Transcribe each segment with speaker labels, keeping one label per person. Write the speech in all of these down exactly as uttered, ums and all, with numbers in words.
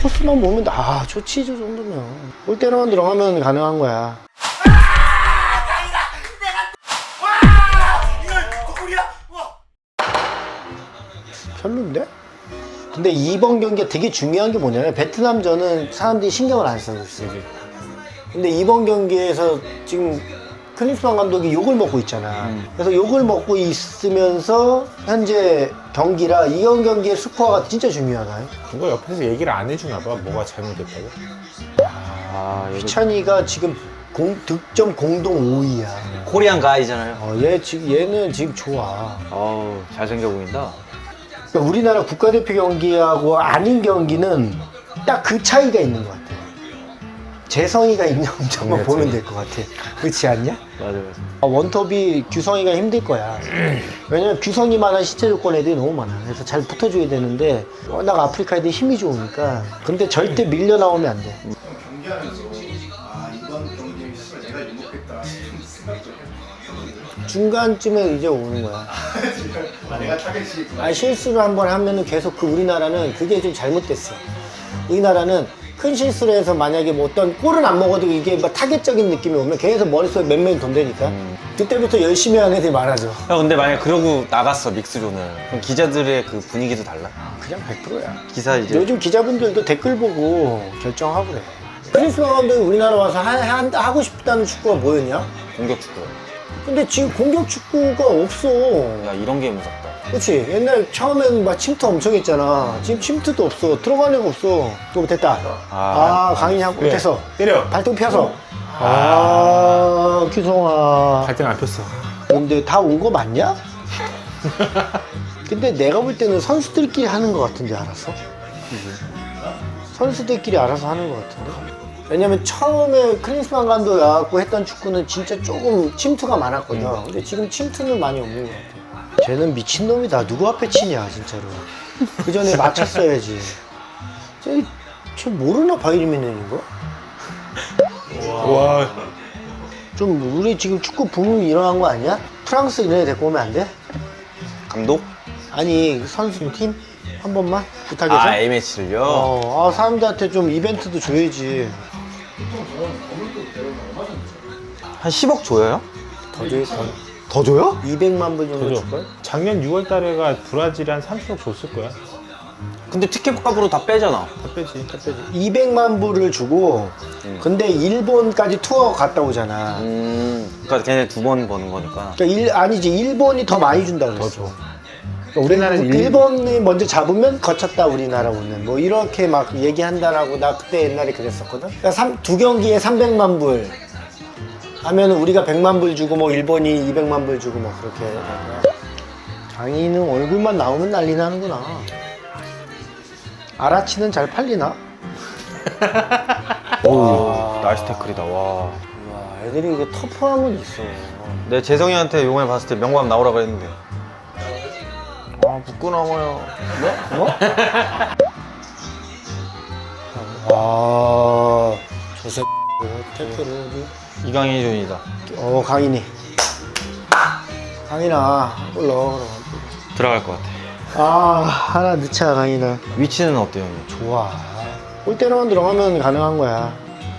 Speaker 1: 코스만 보면 아 좋지 저 정도면. 골대로만 들어가면 가능한 거야. 별론데? 근데 이번 경기가 되게 중요한 게 뭐냐면 베트남전은 사람들이 신경을 안 써요. 근데 이번 경기에서 지금 클린스만 감독이 욕을 먹고 있잖아. 음. 그래서 욕을 먹고 있으면서 현재 경기라 이번 경기의 스코어가 진짜 중요하다.
Speaker 2: 이거 옆에서 얘기를 안 해주나 봐. 뭐가 잘못됐다고?
Speaker 3: 아, 여기
Speaker 1: 휘찬이가 지금 공, 득점 공동 오 위야.
Speaker 3: 코리안 가이잖아요.
Speaker 1: 어, 얘 지금 얘는 지금 좋아.
Speaker 3: 어우, 잘생겨 보인다.
Speaker 1: 그러니까 우리나라 국가대표 경기하고 아닌 경기는 딱 그 차이가 있는 것 같아. 재성이가 있는 점만
Speaker 2: 네,
Speaker 1: 보면 될 것 같아. 그렇지 않냐?
Speaker 3: 맞아, 맞아.
Speaker 1: 어, 원톱이 규성이가 힘들 거야. 왜냐면 규성이만한 신체 조건 애들이 너무 많아. 그래서 잘 붙어줘야 되는데 워낙 아프리카 애들이 힘이 좋으니까. 근데 절대 밀려 나오면 안 돼.
Speaker 4: 경기하면서 아 이번 경기의 실수를 내가 유목했다 이런 생각도 해요.
Speaker 1: 중간쯤에 이제 오는 거야.
Speaker 4: 아, 내가 타겟이
Speaker 1: 아, 실수를 한번 하면은 계속 그 우리나라는 그게 좀 잘못됐어. 우리나라는 큰 실수를 해서 만약에 뭐 어떤 골은 안 먹어도 이게 막 타겟적인 느낌이 오면 계속 머릿속에 몇 명이 돈다니까.
Speaker 3: 음.
Speaker 1: 그때부터 열심히 하는 애들이 많아져.
Speaker 3: 야, 근데 만약 그러고 나갔어, 믹스존을. 그럼 기자들의 그 분위기도 달라?
Speaker 1: 그냥 백 퍼센트야.
Speaker 3: 기사 이제.
Speaker 1: 요즘 기자분들도 댓글 보고 결정하고 그래. 크리스만 감독이 우리나라 와서 하, 하, 하고 싶다는 축구가 뭐였냐?
Speaker 3: 공격 축구.
Speaker 1: 근데 지금 공격 축구가 없어.
Speaker 3: 야, 이런 게 무섭다.
Speaker 1: 그치? 옛날 처음에는 막 침투 엄청 했잖아. 지금 침투도 없어. 들어가는 애가 없어. 또 됐다. 아,
Speaker 3: 아,
Speaker 1: 강인이 한골
Speaker 2: 그래.
Speaker 1: 됐어.
Speaker 2: 때려.
Speaker 1: 발등 펴서. 아, 규성아.
Speaker 2: 발등 안 폈어.
Speaker 1: 근데 다 온 거 맞냐? 근데 내가 볼 때는 선수들끼리 하는 거 같은데, 알았어? 선수들끼리 알아서 하는 거 같은데? 왜냐면 처음에 클린스만 감독이 와갖고 했던 축구는 진짜 조금 침투가 많았거든. 근데 지금 침투는 많이 없는 것 같아. 쟤는 미친놈이다. 누구 앞에 치냐, 진짜로. 그 전에 맞췄어야지. 쟤, 쟤 모르나, 바이리미넨인 거?
Speaker 2: 와.
Speaker 1: 좀, 우리 지금 축구 붐이 일어난 거 아니야? 프랑스 이런 애 데리고 오면 안 돼?
Speaker 3: 감독?
Speaker 1: 아니, 선수팀? 한 번만? 부탁해서?
Speaker 3: 아, A매치를요?
Speaker 1: 어, 아, 사람들한테 좀 이벤트도 줘야지.
Speaker 3: 한 십억 줘요?
Speaker 1: 더 줘야, 더, 더 줘요? 이백만 불 정도
Speaker 2: 그죠?
Speaker 1: 줄걸?
Speaker 2: 작년 유월 달에가 브라질이 한 삼십억 줬을 거야. 다
Speaker 3: 근데 티켓 값으로 다 빼잖아.
Speaker 2: 빼지. 다 빼지.
Speaker 1: 이백만 불을 주고, 근데 일본까지 투어 갔다 오잖아.
Speaker 3: 음, 그러니까 걔네 두 번 버는 거니까.
Speaker 1: 그러니까 일, 아니지, 일본이 더 많이 준다 그랬어.
Speaker 2: 줘.
Speaker 1: 그러니까 우리나라는
Speaker 2: 일-
Speaker 1: 일본이 먼저 잡으면 거쳤다 우리나라 오는 뭐 이렇게 막 얘기한다라고 나 그때 옛날에 그랬었거든. 그러니까 삼, 두 경기에 삼백만 불 하면은 우리가 백만 불 주고 뭐 일본이 이백만 불 주고 막 그렇게 해야 되는 장인은 얼굴만 나오면 난리 나는구나. 아라치는 잘 팔리나?
Speaker 3: 오, 나이스 태클이다, 와.
Speaker 1: 와, 애들이 이게 터프함은 있어.
Speaker 3: 내 재성이한테 요번에 봤을 때 명밤 나오라 그랬는데. 아, 붙고 나와요.
Speaker 1: 뭐? 와, 저 새끼 태클을
Speaker 3: 이강인 존이다.
Speaker 1: 어, 강인이. 강인아, 골 넣어.
Speaker 3: 들어갈 것 같아.
Speaker 1: 아, 하나 넣자, 강인아.
Speaker 3: 위치는 어때요, 형님?
Speaker 1: 좋아. 골대로만 들어가면 가능한 거야.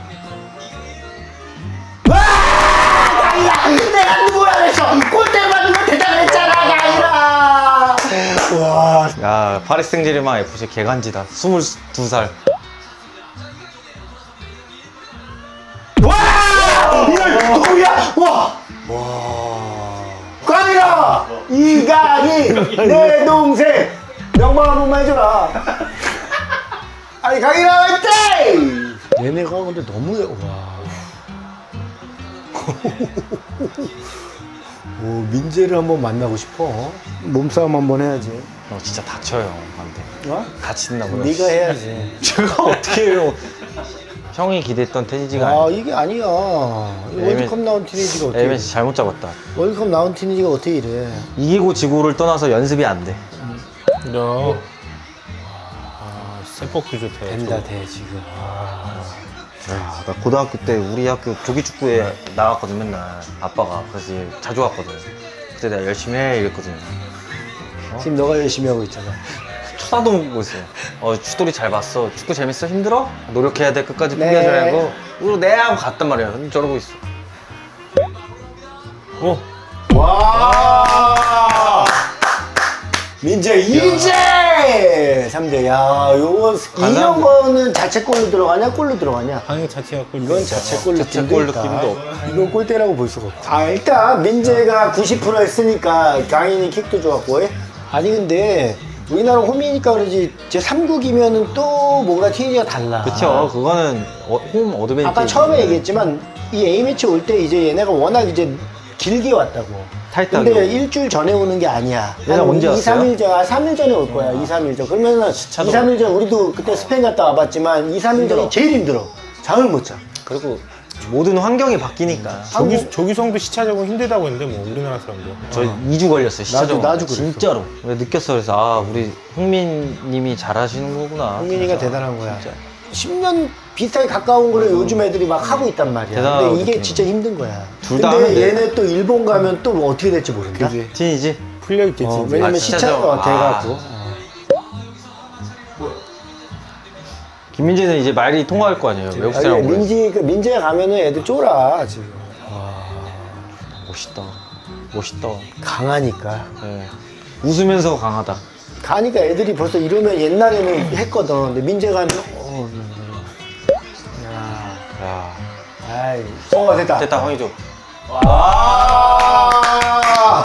Speaker 1: 와! 강인아! 내가 누구야 그랬어! 골대만 넣으면 대단했잖아, 강인아! 와.
Speaker 3: 야, 파리 생제르맹 에프씨 개간지다. 스물두 살.
Speaker 1: 와! 이걸 누구야? 와! 와. 강인아! 이강인! 내 동생! 명망 한 번만 해줘라. 아니, 강인아 화이팅! 얘네가 근데 너무, 와. 오, 민재를 한번 만나고 싶어. 몸싸움 한번 해야지.
Speaker 3: 형 진짜 다쳐요, 한테.
Speaker 1: 어?
Speaker 3: 다친다고요.
Speaker 1: 네가 해야지.
Speaker 3: 제가 어떻게 해요? 형이 기대했던 테니지가
Speaker 1: 아,
Speaker 3: 아니야.
Speaker 1: 이게 아니야. 월드컵 나온 티니지가 어떻게
Speaker 3: 에이맨씨 잘못 잡았다.
Speaker 1: 월드컵 나온 티니지가 어떻게 이래.
Speaker 3: 이기고 지고를 떠나서 연습이 안 돼.
Speaker 2: 너. 아, 세폭도 좋대.
Speaker 1: 된다, 돼, 지금.
Speaker 3: 야, 나 고등학교 때 우리 학교 조기축구에 나갔거든, 맨날. 아빠가. 그래서 자주 갔거든. 그때 내가 열심히 해, 이랬거든.
Speaker 1: 지금 너가 열심히 하고 있잖아.
Speaker 3: 하나도 못 있어요. 어, 추돌이 잘 봤어. 축구 재밌어? 힘들어? 노력해야 돼. 끝까지
Speaker 1: 네.
Speaker 3: 포기하지 말고. 그리고 네 하고 갔단 말이야. 근데 저러고 있어.
Speaker 2: 어?
Speaker 1: 와! 민재 이제 삼 대. 야, 요거 이런 거는 자책골로 들어가냐, 골로 들어가냐?
Speaker 2: 방해 자체가 골.
Speaker 1: 이건 자책골
Speaker 3: 자책골
Speaker 1: 느낌도 있다.
Speaker 3: 느낌도 없고.
Speaker 1: 이건 골대라고 볼 수가 없다. 아, 일단 민재가 구십 퍼센트 했으니까 강인이 킥도 좋았고. 예? 아니 근데 우리나라 홈이니까 그러지 제 삼 국이면은 또 뭔가 티니가 달라.
Speaker 3: 그쵸. 그거는 어, 홈 어드밴티지.
Speaker 1: 아까 처음에 얘기했지만 이 A매치 올 때 이제 얘네가 워낙 이제 길게 왔다고.
Speaker 3: 타이트하게
Speaker 1: 근데
Speaker 3: 오고.
Speaker 1: 일주일 전에 오는 게 아니야.
Speaker 3: 얘네 언제
Speaker 1: 이,
Speaker 3: 왔어요?
Speaker 1: 삼 일 전, 아, 삼 일 전에 올 거야. 이, 삼 일 전. 그러면은 이, 삼 일 전 우리도 그때 스페인 갔다 와봤지만 이, 삼 일 전이 제일 힘들어. 잠을 못 자.
Speaker 3: 그리고 모든 환경이 바뀌니까.
Speaker 2: 조기, 조기성도 시차적으로 힘들다고 했는데 뭐 우리나라 사람들.
Speaker 3: 저 이 주 걸렸어요. 시차적으로.
Speaker 1: 나도 그랬어.
Speaker 3: 진짜로. 근데 느꼈어. 그래서 아 우리 흥민님이 잘하시는 거구나.
Speaker 1: 흥민이가 대단한 거야. 십 년 비슷하게 가까운 거를 요즘 애들이 막 하고 있단 말이야.
Speaker 3: 대단하다고
Speaker 1: 근데 이게
Speaker 3: 느끼는
Speaker 1: 진짜 힘든 거야.
Speaker 3: 둘다
Speaker 1: 근데
Speaker 3: 하는데.
Speaker 1: 얘네 또 일본 가면 또 뭐 어떻게 될지 모른다.
Speaker 2: 그지.
Speaker 3: 진이지.
Speaker 2: 풀려 있겠지.
Speaker 1: 어,
Speaker 2: 이제.
Speaker 1: 왜냐면
Speaker 3: 아,
Speaker 1: 시차가
Speaker 3: 시차죠. 아.
Speaker 1: 돼갖고.
Speaker 3: 김민재는 이제 말이 통화할 거 아니에요. 외국
Speaker 1: 아니,
Speaker 3: 사람 오고.
Speaker 1: 민지, 그 민재가 가면은 애들 쫄아, 지금.
Speaker 3: 멋있다. 멋있다.
Speaker 1: 강하니까.
Speaker 3: 네. 웃으면서 강하다.
Speaker 1: 가니까 애들이 벌써 이러면 옛날에는 했거든. 근데 민재가 하면, 어, 야,
Speaker 3: 야.
Speaker 1: 아이. 어, 됐다.
Speaker 3: 됐다 황희조.
Speaker 1: 아!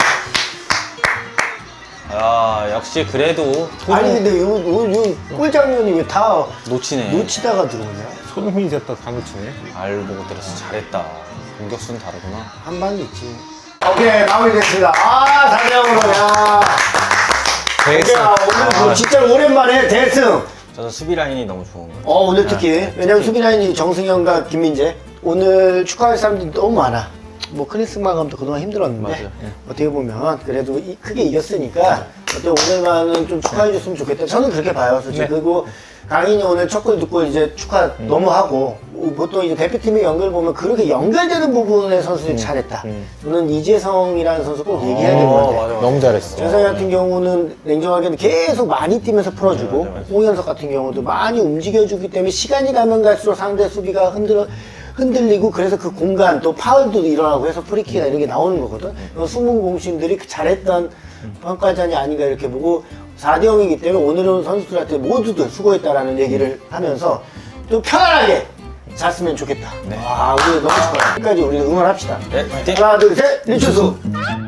Speaker 3: 야 역시 그래도
Speaker 1: 아니, 근데 요, 요, 요, 꿀 장면이 왜 다
Speaker 3: 놓치네.
Speaker 1: 놓치다가 들어오냐?
Speaker 2: 손흥민이 됐다 다 놓치네.
Speaker 3: 알 보고 때려서 잘했다. 공격수는 다르구나.
Speaker 1: 한 방이 있지. 오케이, 마무리됐습니다. 아, 사 대 영으로, 야.
Speaker 3: 대승.
Speaker 1: 야, 오늘 뭐
Speaker 3: 아,
Speaker 1: 진짜 오랜만에 대승.
Speaker 3: 저는 수비 라인이 너무 좋은 거예요.
Speaker 1: 어, 오늘 특히. 왜냐면 수비라인이 정승현과 김민재. 오늘 축하할 사람들이 너무 많아. 뭐 크리스마 감도 그동안 힘들었는데
Speaker 3: 맞아요. 예.
Speaker 1: 어떻게 보면 그래도 이- 크게 이겼으니까 어떻게 오늘만은 좀 축하해 줬으면 좋겠다. 저는 그렇게 봐요, 솔직히.
Speaker 2: 네.
Speaker 1: 그리고 강인이 오늘 첫 골 듣고 이제 축하 너무 하고 보통 이제 대표팀의 연결 보면 그렇게 연결되는 부분의 선수들이 잘했다. 저는 이재성이라는 선수 꼭 얘기해야 될 것 같아요.
Speaker 3: 맞아, 맞아.
Speaker 2: 너무 잘했어.
Speaker 1: 재성이 같은 경우는 냉정하게 계속 많이 뛰면서 풀어주고 홍현석 같은 경우도 많이 움직여주기 때문에 시간이 가면 갈수록 상대 수비가 흔들어 흔들리고 그래서 그 공간 또 파울도 일어나고 해서 프리킥이나 이런 게 나오는 거거든. 숨은 공신들이 잘했던 평가전이 아닌가 이렇게 보고 사 대 영이기 때문에 오늘은 선수들한테 모두들 수고했다라는 얘기를 하면서 좀 편안하게 잤으면 좋겠다. 와, 우리 너무 좋아요. 끝까지 우리 응원합시다.
Speaker 3: 네, 화이팅!
Speaker 1: 하나, 둘, 셋, 리추수!